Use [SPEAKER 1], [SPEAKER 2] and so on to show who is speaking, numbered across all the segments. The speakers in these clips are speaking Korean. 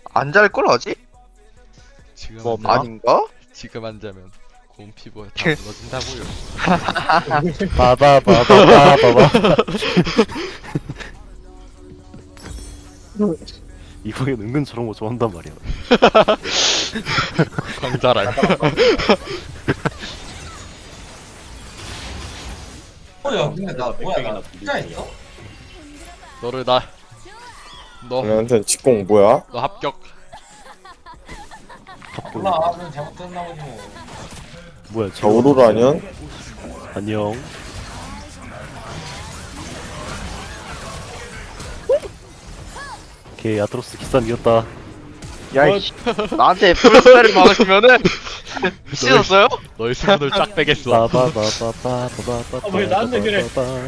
[SPEAKER 1] 안 잘 걸 하지?
[SPEAKER 2] 지금
[SPEAKER 1] 뭐
[SPEAKER 2] 안
[SPEAKER 1] 아닌가?
[SPEAKER 2] 지금 안 자면 곰 피부가 다 무너진다고요.
[SPEAKER 3] 바바바바바바바. 이거는 은근 저런 거 좋아한단 말이야.
[SPEAKER 2] 광자랄.
[SPEAKER 4] 야 근데 나 뭐야 나 진짜 있어?
[SPEAKER 2] 너를 너
[SPEAKER 5] 우리한테 직공 뭐야?
[SPEAKER 2] 합격.
[SPEAKER 4] 몰라 그냥 잘못됐나 보지 뭐.
[SPEAKER 3] 뭐야?
[SPEAKER 5] 자 오로라 아니야?
[SPEAKER 3] 안녕. 오케이 아트로스 기싸움 이겼다.
[SPEAKER 1] 야이씨 나한테 풀스펠을 막으시면은 미치셨어요?
[SPEAKER 2] 너의 수분을 쫙 빼겠어.
[SPEAKER 3] 바바바바바바바바바.
[SPEAKER 6] 왜 나한테 그래?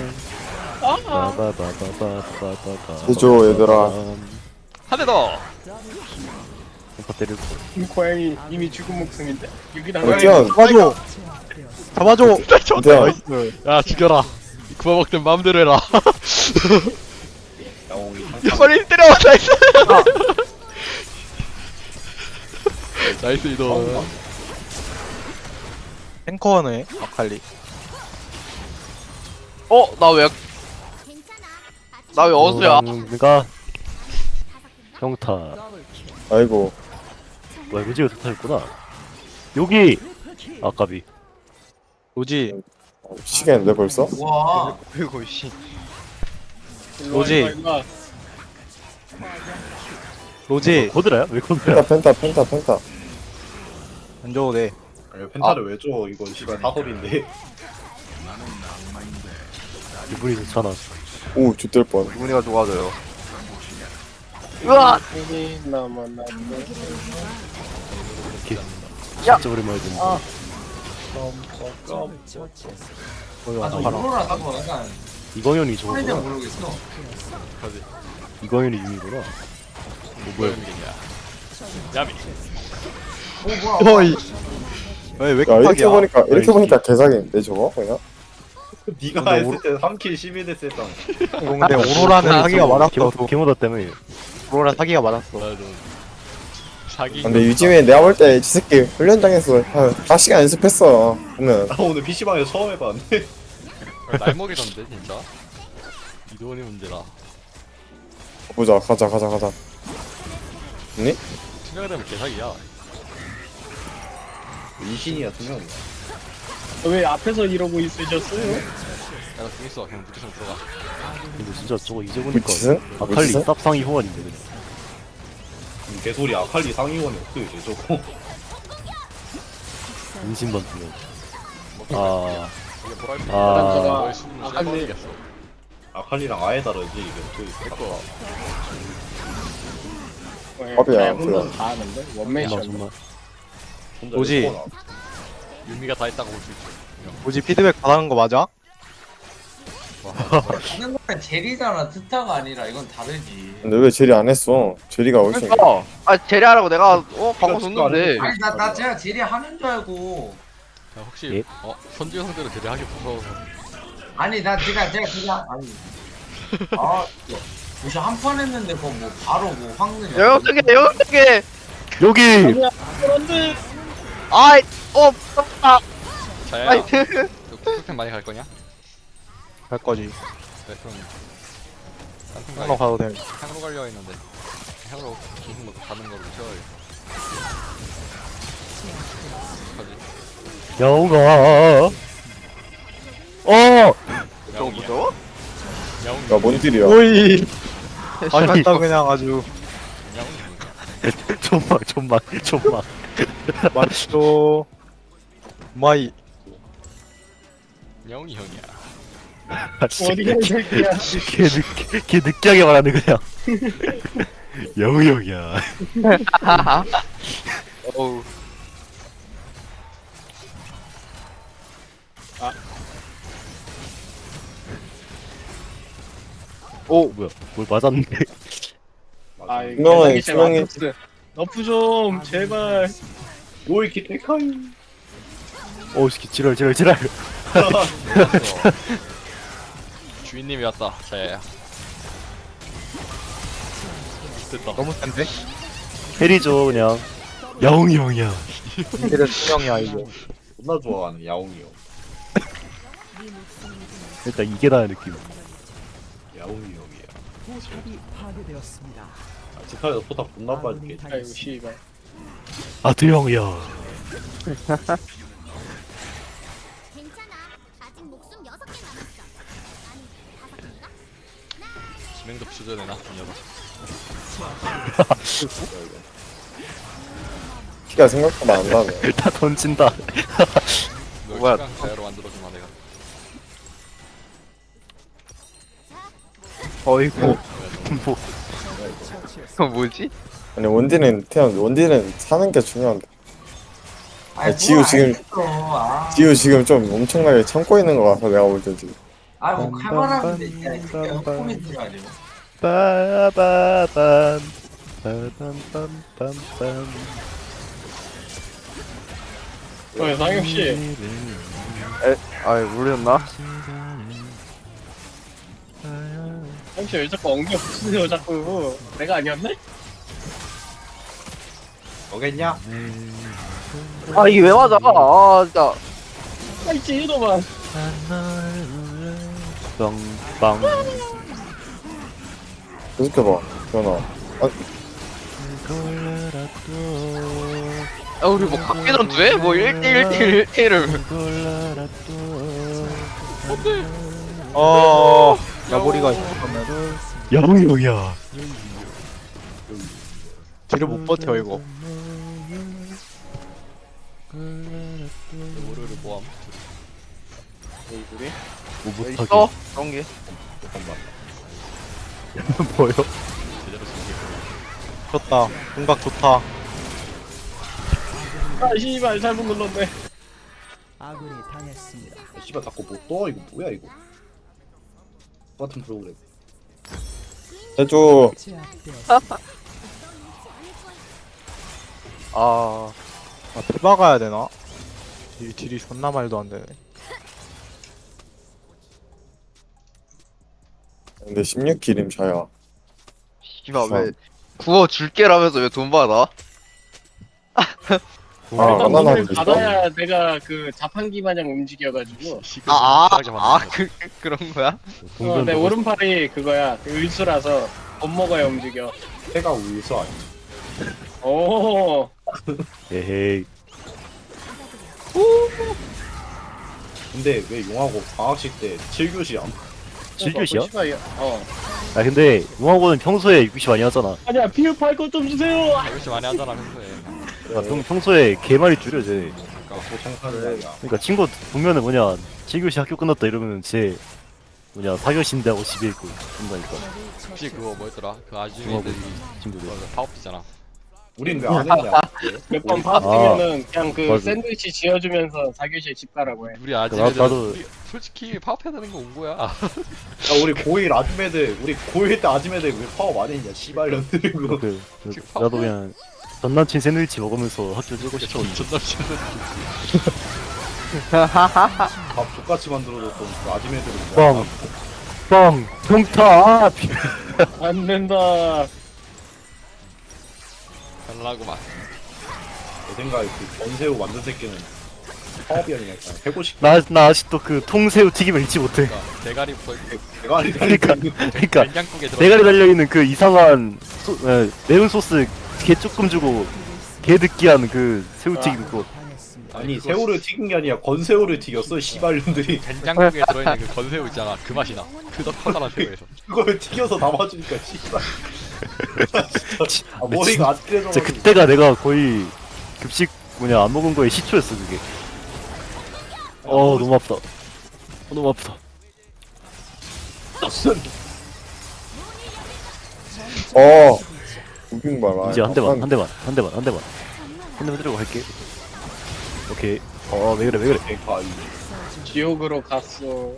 [SPEAKER 3] 바바바바바바바바.
[SPEAKER 5] 해줘, 얘들아.
[SPEAKER 2] 한 대 더.
[SPEAKER 3] pompa 때리고.
[SPEAKER 6] 이 고양이 이미 죽은 목숨인데 여기다
[SPEAKER 5] 어찌야
[SPEAKER 1] 잡아줘 잡아줘
[SPEAKER 5] 어찌야
[SPEAKER 2] 야 죽여라. 구워 먹든 마음대로 해라. 빨리 때려. 나이스. 나이스 이동.
[SPEAKER 1] 탱커네 아칼리 나 왜 어수야?
[SPEAKER 3] 내가 평타.
[SPEAKER 5] 아이고
[SPEAKER 3] 뭐야 무지가 좋다했구나. 여기 아까비.
[SPEAKER 1] 로지
[SPEAKER 5] 시계인데 벌써?
[SPEAKER 4] 와
[SPEAKER 1] 그리고 씨
[SPEAKER 6] 뭐지?
[SPEAKER 1] 로지
[SPEAKER 3] 코드라야? 왜 코드야?
[SPEAKER 5] 펜타
[SPEAKER 1] 안 줘도 돼
[SPEAKER 7] 펜타를 왜 줘? 이거 시간 사설인데.
[SPEAKER 3] 기분이 좋잖아.
[SPEAKER 5] 오 죽될 뻔
[SPEAKER 1] 기분이가 좋아져요 으아
[SPEAKER 3] 진짜 오랜만에 듣는.
[SPEAKER 4] 아저 오로라 사고 약간
[SPEAKER 3] 이광현이
[SPEAKER 4] 소리는
[SPEAKER 3] 저거구나.
[SPEAKER 4] 모르겠어.
[SPEAKER 3] 이광현이 유미구나.
[SPEAKER 2] 뭐야? 야미.
[SPEAKER 4] 오 뭐야?
[SPEAKER 1] 어이 왜
[SPEAKER 5] 야 이렇게
[SPEAKER 1] 깜빡이야
[SPEAKER 5] 보니까 개사기인데 저거 그냥?
[SPEAKER 7] 네가
[SPEAKER 1] 근데
[SPEAKER 7] 했을 때 3킬 11 했을 때.
[SPEAKER 1] 근데 오로라는 사기가 많았어
[SPEAKER 3] 개모다 때문에.
[SPEAKER 1] 오로라 사기가 많았어
[SPEAKER 2] 맞아. 사기.
[SPEAKER 5] 근데 요즘에 내가 볼 때 저 새끼 훈련장에서 한 4시간 연습했어 보면
[SPEAKER 7] 나 오늘 PC방에서 처음 해봤는데.
[SPEAKER 2] 날 먹이던데 진짜. 이동이 문제라.
[SPEAKER 5] 보자 가자 니?
[SPEAKER 2] 투명이 되면 개사기야.
[SPEAKER 7] 이신이야 투명이야.
[SPEAKER 6] 왜 앞에서 이러고 있으셨어요?
[SPEAKER 2] 야나 공 있어. 그냥 무조건 들어가.
[SPEAKER 3] 근데 진짜 저거 이제 보니까
[SPEAKER 5] 무치슨?
[SPEAKER 3] 아칼리
[SPEAKER 5] 무치슨?
[SPEAKER 3] 쌉상이 호환인데 그냥.
[SPEAKER 7] 개소리 아칼리 상위원이 어떻게 돼 저거.
[SPEAKER 3] 인심만 두면.
[SPEAKER 2] 이게 뭐랄 때.
[SPEAKER 3] 아.
[SPEAKER 2] 너의 수분을 씹어버리겠어.
[SPEAKER 7] 아칼리랑 아예 다르지 이게 어떻게
[SPEAKER 2] 내꺼.
[SPEAKER 5] 밥이야,
[SPEAKER 6] 혼자
[SPEAKER 5] 그럼.
[SPEAKER 6] 다 하는데
[SPEAKER 3] 정말
[SPEAKER 6] 원맨션.
[SPEAKER 3] 정말.
[SPEAKER 7] 혼자
[SPEAKER 1] 뭐지?
[SPEAKER 7] 이렇게 보나.
[SPEAKER 2] 유미가 다 했다고 볼 수 있지.
[SPEAKER 1] 로지 피드백 받는 거 맞아?
[SPEAKER 4] 하는 거는 젤이잖아 트타가 아니라 이건 다르지.
[SPEAKER 5] 근데 왜 제리 안 했어? 제리가 훨씬
[SPEAKER 1] 그러니까 제리하라고 내가 방금 줬는데
[SPEAKER 4] 아니 나 제가 젤이 하는 줄 알고.
[SPEAKER 2] 야, 혹시
[SPEAKER 3] 예?
[SPEAKER 2] 선주 형들은 되게 하기 무서워서.
[SPEAKER 4] 아니 나 제가 그냥 아니. 아 역시 한 판 했는데 그거 뭐 바로 뭐 확률이.
[SPEAKER 1] 영역적에
[SPEAKER 3] 여기
[SPEAKER 6] 그런데
[SPEAKER 1] 아이
[SPEAKER 2] 자야.
[SPEAKER 1] 아이
[SPEAKER 2] 너 쿠쿠템 많이 갈 거냐?
[SPEAKER 1] 갈 거지
[SPEAKER 2] 네 그럼. 딴팀
[SPEAKER 1] 향로 가도 돼
[SPEAKER 2] 향으로 가려 했는데 향으로 계속 먹고 가는 걸로 채워야겠어. 어떡하지?
[SPEAKER 3] 영아.
[SPEAKER 1] 좀
[SPEAKER 2] 야옹이야.
[SPEAKER 1] 무서워?
[SPEAKER 2] 야옹이.
[SPEAKER 5] 야뭔 딜이야
[SPEAKER 1] 오이
[SPEAKER 3] 아니,
[SPEAKER 1] 심했다 그냥 아주
[SPEAKER 2] 야옹이 뭐냐?
[SPEAKER 3] 좀만.
[SPEAKER 1] 맛있어 마이
[SPEAKER 2] 야옹이 형이야.
[SPEAKER 6] 어디가 이 새끼야?
[SPEAKER 3] 걔 느끼하게 말하네 그냥. 영우 형이야.
[SPEAKER 1] 어우
[SPEAKER 3] 뭐야? 뭘 맞았는데?
[SPEAKER 6] 아 이거
[SPEAKER 5] 투명해,
[SPEAKER 6] 개사기
[SPEAKER 5] 투명해.
[SPEAKER 6] 아트록스. 너프 좀 제발.
[SPEAKER 7] 요이키 테카이.
[SPEAKER 3] 어우 씨 지랄.
[SPEAKER 2] 주인님이 왔다. 자야야. 됐다.
[SPEAKER 1] 너무 센데?
[SPEAKER 3] 해리죠 그냥. 야옹이 형이야.
[SPEAKER 1] 이래 투명이야 이거.
[SPEAKER 7] 존나 좋아하는 야옹이 형.
[SPEAKER 3] 일단 이게 나의 느낌.
[SPEAKER 7] 야옹이 형이야. 지카에서 포탑 존나 빠지게.
[SPEAKER 6] 아이고 씨발.
[SPEAKER 3] 아드 형이야.
[SPEAKER 8] 괜찮아. 아직 목숨 6개 남았어. 아니, 5개인가?
[SPEAKER 2] 지명도 부셔져내나 이 녀석.
[SPEAKER 5] 피가 생각보다 안 나네.
[SPEAKER 3] 다 던진다.
[SPEAKER 2] 널 시간 가야로 만들어주마 내가.
[SPEAKER 1] 어이구.
[SPEAKER 3] 뭐
[SPEAKER 1] 이거 뭐지?
[SPEAKER 5] 아니 원딜은 사는 게 중요한데.
[SPEAKER 4] 아이,
[SPEAKER 5] 지우
[SPEAKER 4] 뭘
[SPEAKER 5] 지금-
[SPEAKER 4] 알겠어. 아,
[SPEAKER 5] 지우 지금 좀 엄청나게 참고 있는 거 같아 내가 볼 때 지금.
[SPEAKER 4] 아, 뭐 칼바람인데 진짜 코멘트가 아니고.
[SPEAKER 3] 빠바밤 빠밤빰빰빰빰.
[SPEAKER 6] 상엽 씨.
[SPEAKER 1] 아이 모르셨나?
[SPEAKER 6] 상엽 씨왜 자꾸 엉겨 붙으세요 자꾸. 내가 아니었네?
[SPEAKER 7] 너겠냐?
[SPEAKER 1] 아 이게 왜 맞아? 아 진짜.
[SPEAKER 6] 아이씨 이놈아.
[SPEAKER 3] 빵빵.
[SPEAKER 5] 계속해봐 변화.
[SPEAKER 1] 아 우리 뭐 각계 전투해? 뭐 1대1 1대1을. 야보리가 있으면
[SPEAKER 3] 야옹이 형이야.
[SPEAKER 1] 뒤를 못 버텨 이거.
[SPEAKER 2] 월요일에 모함.
[SPEAKER 6] 얼굴이?
[SPEAKER 3] 뭐 못하게.
[SPEAKER 1] 있어? 그런 게.
[SPEAKER 3] 뭐요?
[SPEAKER 2] 제대로 숨기고.
[SPEAKER 1] 좋다. 공각 좋다.
[SPEAKER 6] 아 씨발 잘못 눌렀네.
[SPEAKER 7] 씨발 자꾸 못 떠. 이거 뭐야 이거? 똑같은 프로그램.
[SPEAKER 5] 해줘.
[SPEAKER 1] 아 대박아야 되나? 딜이 존나 말도 안 되네.
[SPEAKER 5] 근데 16기림 저야.
[SPEAKER 1] 씨발 왜 구워 줄게라면서 왜 돈 받아?
[SPEAKER 5] 아,
[SPEAKER 6] 일단
[SPEAKER 5] 바나나
[SPEAKER 6] 오늘
[SPEAKER 5] 드시죠?
[SPEAKER 6] 받아야 내가 그 자판기 마냥 움직여가지고.
[SPEAKER 1] 그런 거야?
[SPEAKER 6] 내 오른팔이 그거야. 그 의수라서 못 먹어야 움직여.
[SPEAKER 7] 해가 우유서 아니야.
[SPEAKER 6] 오.
[SPEAKER 3] 에헤이.
[SPEAKER 7] 근데 왜 용하고 방학식 때 7교시 안
[SPEAKER 3] 7교시야?
[SPEAKER 6] 씨발, 어.
[SPEAKER 3] 아 근데 용하고는 평소에 6교시 많이 하잖아.
[SPEAKER 6] 아니야 피우 팔거 좀 주세요.
[SPEAKER 2] 열심히 많이 하잖아 평소에.
[SPEAKER 3] 야, 평소에 개 많이 줄여 쟤.
[SPEAKER 7] 보통하는 아니야.
[SPEAKER 3] 그러니까 친구 보면은 뭐냐 7교시 학교 끝났다 이러면은 쟤 뭐냐 4교시인데 하고 집에 있고 그런다니까.
[SPEAKER 2] 혹시 그거 뭐였더라? 그 아줌마
[SPEAKER 3] 중하고
[SPEAKER 2] 애들이
[SPEAKER 3] 친구들.
[SPEAKER 2] 파업이잖아.
[SPEAKER 7] 우린 왜 안 했냐?
[SPEAKER 6] 몇 번 파업되면은 그냥 그
[SPEAKER 3] 맞아.
[SPEAKER 6] 샌드위치 지어주면서 4교시에 집 가라고 해.
[SPEAKER 2] 우리 아줌마들
[SPEAKER 3] 나도-
[SPEAKER 2] 우리 솔직히 파업해야 되는 거 온 거야.
[SPEAKER 7] 야 우리 고1 아줌매들 우리 고1 때 아줌매들 왜 파업 안 했냐? 씨발년들 그거.
[SPEAKER 3] 나도 그냥 전 남친 샌드위치 먹으면서 학교 찍고
[SPEAKER 2] 존나
[SPEAKER 3] 싶었는데.
[SPEAKER 2] 싫었는데.
[SPEAKER 7] 밥 족같이 만들어줬던 그 아줌매들은
[SPEAKER 3] 빵! 빵! 평타!
[SPEAKER 6] 안 된다.
[SPEAKER 2] 달라고만.
[SPEAKER 7] 내 생각에 그 전새우 만든 새끼는 파업이 아니라 그냥 해고 싶.
[SPEAKER 3] 나 아직도 그 통새우 튀김을 잊지 못해.
[SPEAKER 2] 그러니까 대가리 붙어 있고
[SPEAKER 7] 내가 아니
[SPEAKER 3] 그러니까
[SPEAKER 2] 된장국에 들어.
[SPEAKER 3] 대가리 달려있는 그 이상한 매운 소스 개 조금 주고 개 느끼한 그 새우튀김 그거.
[SPEAKER 7] 아니 새우를 튀긴 게 아니라 건새우를 튀겼어 씨발년들이.
[SPEAKER 2] 된장국에 들어있는 그 건새우 있잖아. 그 맛이 나. 그덕하다란 새우에서.
[SPEAKER 7] 그걸 튀겨서 담아주니까 씨발. 아, 머리가 아찔해져.
[SPEAKER 3] 진짜 그때가 내가 거의 급식 뭐냐 안 먹은 거에 시초였어 그게. 너무 아프다. 너무 아프다.
[SPEAKER 5] 무빙 봐라.
[SPEAKER 3] 이제 한 대만 때리고 갈게. 오케이. 왜 그래.
[SPEAKER 6] 지옥으로 갔어.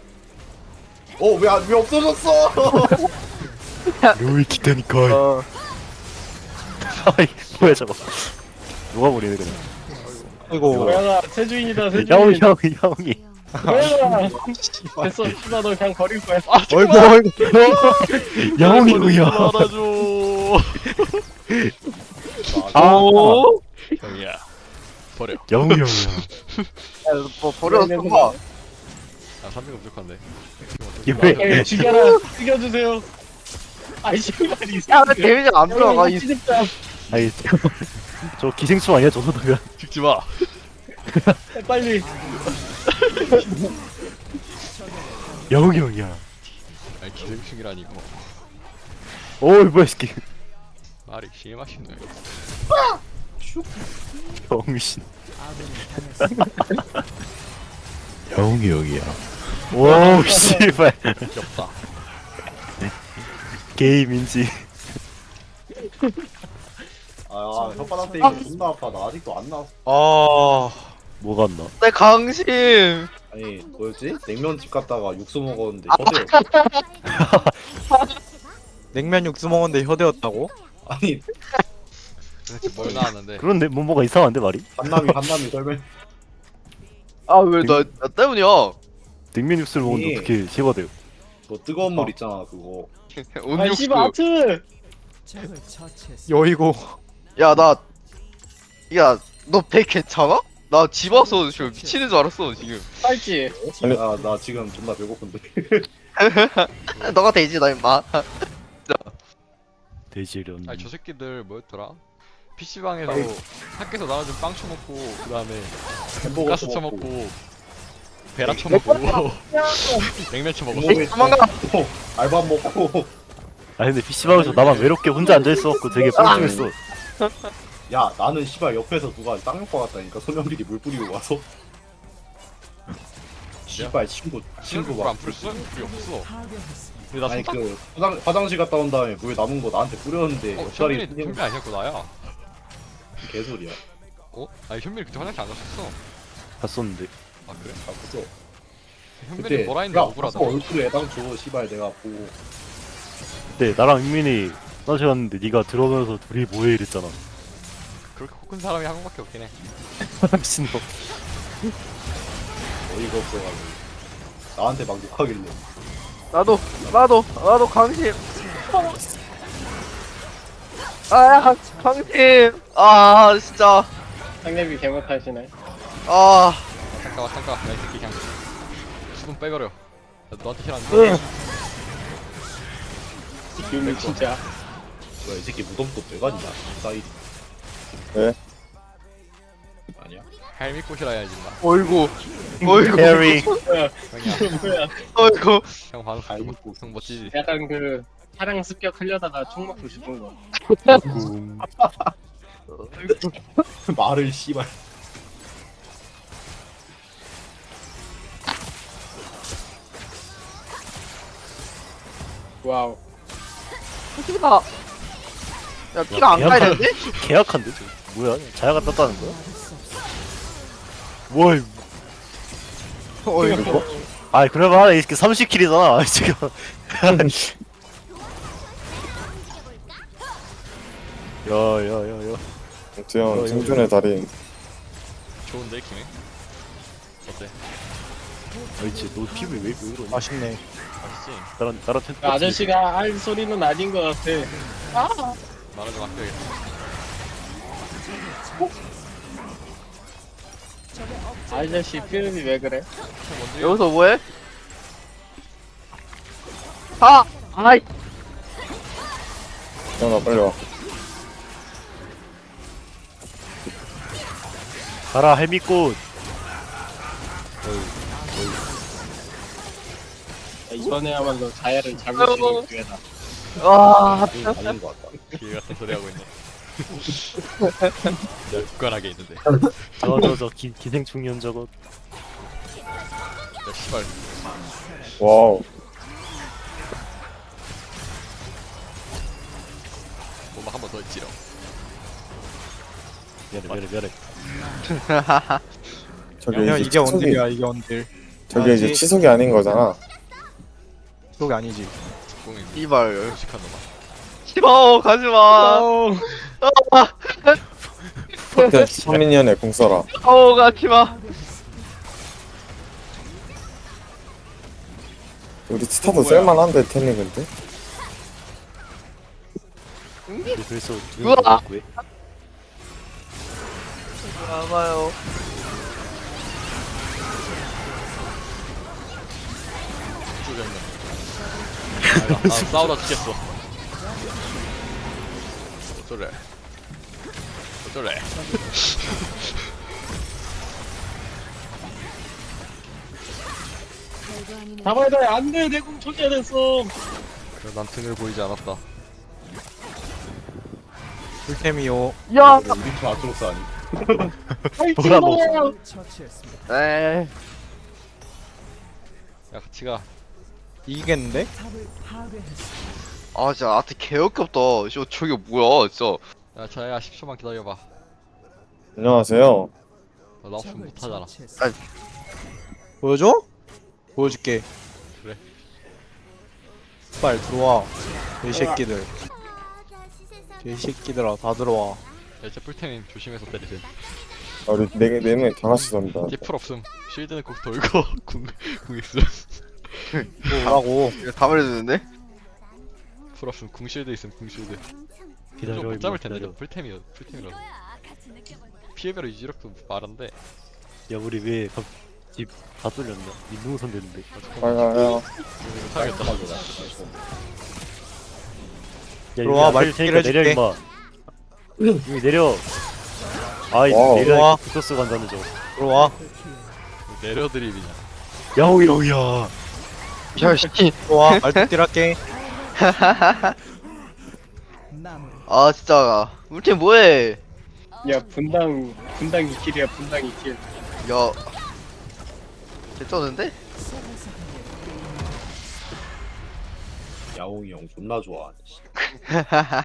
[SPEAKER 7] 왜 없어졌어?
[SPEAKER 3] 료이 기타니까. 아이 뭐야 저거. 녹아버리네 그냥.
[SPEAKER 1] 아이고.
[SPEAKER 6] 고양아 세주인이다
[SPEAKER 3] 야옹이
[SPEAKER 6] 세주인.
[SPEAKER 3] 야옹이.
[SPEAKER 6] 고양아. 됐어 씨발 너 그냥 버릴 거야.
[SPEAKER 1] 어이구.
[SPEAKER 3] 야옹이 형이야.
[SPEAKER 2] 알아줘. 형이야 버려.
[SPEAKER 3] 영우 형이야.
[SPEAKER 9] 뭐 버려서 봐.
[SPEAKER 2] 아 300은 부족한데.
[SPEAKER 3] 왜?
[SPEAKER 6] 죽여라. 죽여주세요. 아이 씨발 이
[SPEAKER 9] 야, 왜 데미지가 안 들어가? 이
[SPEAKER 6] 진짜
[SPEAKER 3] 아니 저 기생충 아니야 저 정도면?
[SPEAKER 2] 죽지 마.
[SPEAKER 6] 빨리.
[SPEAKER 3] 영우 형이야.
[SPEAKER 2] 아니 기생충이라니 이거.
[SPEAKER 3] 어이 뭐야 이 새끼.
[SPEAKER 2] 말이 심하시네.
[SPEAKER 3] 병신. 영우 형이야. 오 씨발.
[SPEAKER 2] 귀엽다.
[SPEAKER 3] 게임인지.
[SPEAKER 7] 아 혓바닥 때리고 존나 아파. 나 아직도 안 나왔어.
[SPEAKER 1] 아
[SPEAKER 3] 뭐가 안 나?
[SPEAKER 9] 내 강심.
[SPEAKER 7] 아니 뭐였지? 냉면집 갔다가 육수 먹었는데
[SPEAKER 9] 아.
[SPEAKER 7] 혀대.
[SPEAKER 1] 냉면 육수 먹었는데 혀대였다고?
[SPEAKER 7] 아니
[SPEAKER 2] 도대체 뭘 나왔는데?
[SPEAKER 3] 그런데 뭐가 이상한데 말이?
[SPEAKER 7] 한남이 설명.
[SPEAKER 9] 아, 왜 나 때문이야?
[SPEAKER 3] 냉면 육수를 먹는데
[SPEAKER 7] 이-
[SPEAKER 3] 어떻게 제거돼요?
[SPEAKER 7] 뭐 뜨거운 물 있잖아 그거.
[SPEAKER 6] 아이
[SPEAKER 9] 온육수.
[SPEAKER 6] 씨발 아트.
[SPEAKER 1] 여이고
[SPEAKER 9] 야, 야, 너 배 괜찮아? 나 집 와서 지금 미치는 줄 알았어, 지금.
[SPEAKER 6] 빨지.
[SPEAKER 5] 아니.
[SPEAKER 7] 나 지금 존나 배고픈데.
[SPEAKER 9] 너가 돼지, 나 임마.
[SPEAKER 3] 돼지련.
[SPEAKER 2] 아니 저 새끼들 뭐였더라? PC방에서
[SPEAKER 7] 아이.
[SPEAKER 2] 학교에서 나와준 빵 쳐먹고 그 다음에
[SPEAKER 7] 햄버거
[SPEAKER 2] 가스 쳐먹고 베라 쳐먹고 냉면 쳐먹고
[SPEAKER 9] 도망가.
[SPEAKER 7] 먹고 알밥 먹고.
[SPEAKER 3] 아 근데 PC방에서 나만 외롭게 혼자 앉아있어갖고 되게 뻘쭘했어.
[SPEAKER 7] 야 나는 씨발 옆에서 누가 쌍욕과 같다니까 소년들이 물 뿌리고 와서. 씨발 친구
[SPEAKER 2] 물안
[SPEAKER 7] 막.
[SPEAKER 2] 뿌렸어? 물이 없어. 근데 나
[SPEAKER 7] 아니
[SPEAKER 2] 손
[SPEAKER 7] 그 화장실 갔다 온 다음에 물 남은 거 나한테 뿌렸는데 옆자리
[SPEAKER 2] 현민이 현민 아니었고 나야.
[SPEAKER 7] 개소리야.
[SPEAKER 2] 어? 아니 현민이 그때 화장실 안 갔었어.
[SPEAKER 3] 갔었는데.
[SPEAKER 2] 아 그래?
[SPEAKER 7] 아 무서.
[SPEAKER 2] 현민이 뭐라 했는데 억울하다.
[SPEAKER 7] 얼굴에 해당 줘 씨발 내가 보고.
[SPEAKER 3] 그때 나랑 민민이 화장실 갔는데 네가 들어오면서 둘이 뭐해 이랬잖아.
[SPEAKER 2] 그렇게 코 큰 사람이 한 명밖에 없긴 해.
[SPEAKER 3] 미친놈.
[SPEAKER 7] 어이가 없어가지고 나한테 막 욕하길래.
[SPEAKER 9] 나도 강심. 아, 강심. 아, 진짜.
[SPEAKER 6] 상대비 개못하시네.
[SPEAKER 9] 아,
[SPEAKER 2] 잠깐 야 이 새끼 그냥 수분 빼버려. 나 너한테 싫어하는데.
[SPEAKER 6] 유미 진짜.
[SPEAKER 7] 뭐야 이 새끼 무덤도 빼가지냐 사이드.
[SPEAKER 5] 왜?
[SPEAKER 7] 아니야.
[SPEAKER 2] 할미꽃이라 해야지 나.
[SPEAKER 9] 어이구.
[SPEAKER 3] 해리.
[SPEAKER 2] 형이야.
[SPEAKER 6] 뭐야?
[SPEAKER 9] 어이구.
[SPEAKER 2] 형 반응
[SPEAKER 7] 할미꽃.
[SPEAKER 2] 형 멋지지.
[SPEAKER 6] 약간 그 사랑 습격하려다가 총 맞고 싶은 거.
[SPEAKER 7] 말을 씨발.
[SPEAKER 6] 와우.
[SPEAKER 9] 피가. 야, 피가 안 가야 되는데?
[SPEAKER 3] 계약한데 저 뭐야? 자야가 떴다는 거야? 뭘?
[SPEAKER 9] 어이구.
[SPEAKER 3] 아 그래봐 이렇게 30킬이잖아 지금. 야야야야.
[SPEAKER 5] 두형 생존의 달인.
[SPEAKER 2] 좋은데 김해. 어때?
[SPEAKER 3] 아이치 너 피부 왜 이러냐?
[SPEAKER 1] 맛있네.
[SPEAKER 2] 맛있지?
[SPEAKER 3] 나랑
[SPEAKER 6] 그 아저씨가 할 소리는 아닌 것 같아.
[SPEAKER 2] 말하좀 아껴야겠다.
[SPEAKER 6] 아저씨 표현이 왜 그래?
[SPEAKER 2] 형 뭔데?
[SPEAKER 9] 여기서 뭐해? 아! 아이!
[SPEAKER 5] 형아 빨리 와.
[SPEAKER 3] 가라 해미꽃.
[SPEAKER 6] 이번에야말로 자야를 잡을 수 있는 기회다.
[SPEAKER 9] 와,
[SPEAKER 7] 아닌 것 같다.
[SPEAKER 2] 기 같은 소리 하고 있네. 내가 굳건하게 있는데. 야
[SPEAKER 3] 저저 기생충년 저거.
[SPEAKER 2] 씨발.
[SPEAKER 5] 와우.
[SPEAKER 2] 뭐막 한 번 더 있지롱.
[SPEAKER 3] 미안해.
[SPEAKER 5] 저게
[SPEAKER 1] 형
[SPEAKER 5] 이제
[SPEAKER 1] 이게
[SPEAKER 5] 치속이,
[SPEAKER 1] 언딜이야 이게 언딜.
[SPEAKER 5] 저게 이제 치속이 아닌 거잖아.
[SPEAKER 1] 그게 아니지.
[SPEAKER 2] 공이
[SPEAKER 9] 이발.
[SPEAKER 2] 무식한 놈아.
[SPEAKER 9] 싫어, 가지마.
[SPEAKER 5] 선민이언의 공 써라.
[SPEAKER 9] 가지마.
[SPEAKER 5] 우리 스타도 쓸만한데 테니 근데.
[SPEAKER 3] 그래서
[SPEAKER 9] 우와.
[SPEAKER 3] 왜?
[SPEAKER 9] 나가요.
[SPEAKER 2] 죽였네. 나 싸우다 죽겠어. 어쩌래? 어쩌래?
[SPEAKER 6] 잡아야 돼. 안 돼. 내 공 초기화됐어.
[SPEAKER 2] 그래, 난 등을 보이지 않았다.
[SPEAKER 1] 풀템이요.
[SPEAKER 3] 야!
[SPEAKER 7] 우리 팀 아트로스 아니?
[SPEAKER 3] 뭐라 너.
[SPEAKER 9] 에이.
[SPEAKER 2] 야, 같이 가.
[SPEAKER 1] 이기겠는데?
[SPEAKER 9] 아 진짜 아트 개역겹다. 저게 뭐야 진짜.
[SPEAKER 2] 야, 자야 10초만 기다려봐.
[SPEAKER 5] 안녕하세요.
[SPEAKER 2] 나 없으면 못하잖아.
[SPEAKER 1] 보여줘? 보여줄게.
[SPEAKER 2] 그래.
[SPEAKER 1] 빨리 들어와. 개새끼들. 개새끼들아 다 들어와.
[SPEAKER 2] 야, 이제 풀템임 조심해서 때리세요.
[SPEAKER 5] 아, 우리 네 명이 다 같이 삽니다.
[SPEAKER 2] 이제 풀 없음. 쉴드는 꼭 돌고 궁 있음.
[SPEAKER 1] 뭐라고?
[SPEAKER 9] 이거 다 말해주는데?
[SPEAKER 2] 풀 없음. 궁 쉴드 있음. 궁 쉴드.
[SPEAKER 3] 기다려,
[SPEAKER 2] 못 잡을
[SPEAKER 3] 임마,
[SPEAKER 2] 텐데.
[SPEAKER 3] 기다려.
[SPEAKER 2] 풀템이라서. 피해별로 유지력도 말한데.
[SPEAKER 3] 야 우리 왜 집 다 뚫렸냐? 민둥선 됐는데.
[SPEAKER 5] 아야야.
[SPEAKER 2] 사야겠다.
[SPEAKER 1] 들어와,
[SPEAKER 3] 말
[SPEAKER 1] 말티를
[SPEAKER 3] 테니까 내려
[SPEAKER 1] 해줄게.
[SPEAKER 3] 임마. 이미 내려. 아이
[SPEAKER 5] 와우.
[SPEAKER 3] 내려
[SPEAKER 1] 들어와.
[SPEAKER 3] 부토스 간다는 저.
[SPEAKER 1] 들어와.
[SPEAKER 2] 내려드립이냐.
[SPEAKER 3] 야옹이야.
[SPEAKER 9] 야 씨.
[SPEAKER 1] 들어와. 말뚝질 할게.
[SPEAKER 9] 아 진짜. 우리 팀 뭐해?
[SPEAKER 6] 야 분당 2킬이야. 분당 2킬.
[SPEAKER 9] 야. 개쩌는데?
[SPEAKER 7] 야옹이 형 존나 좋아.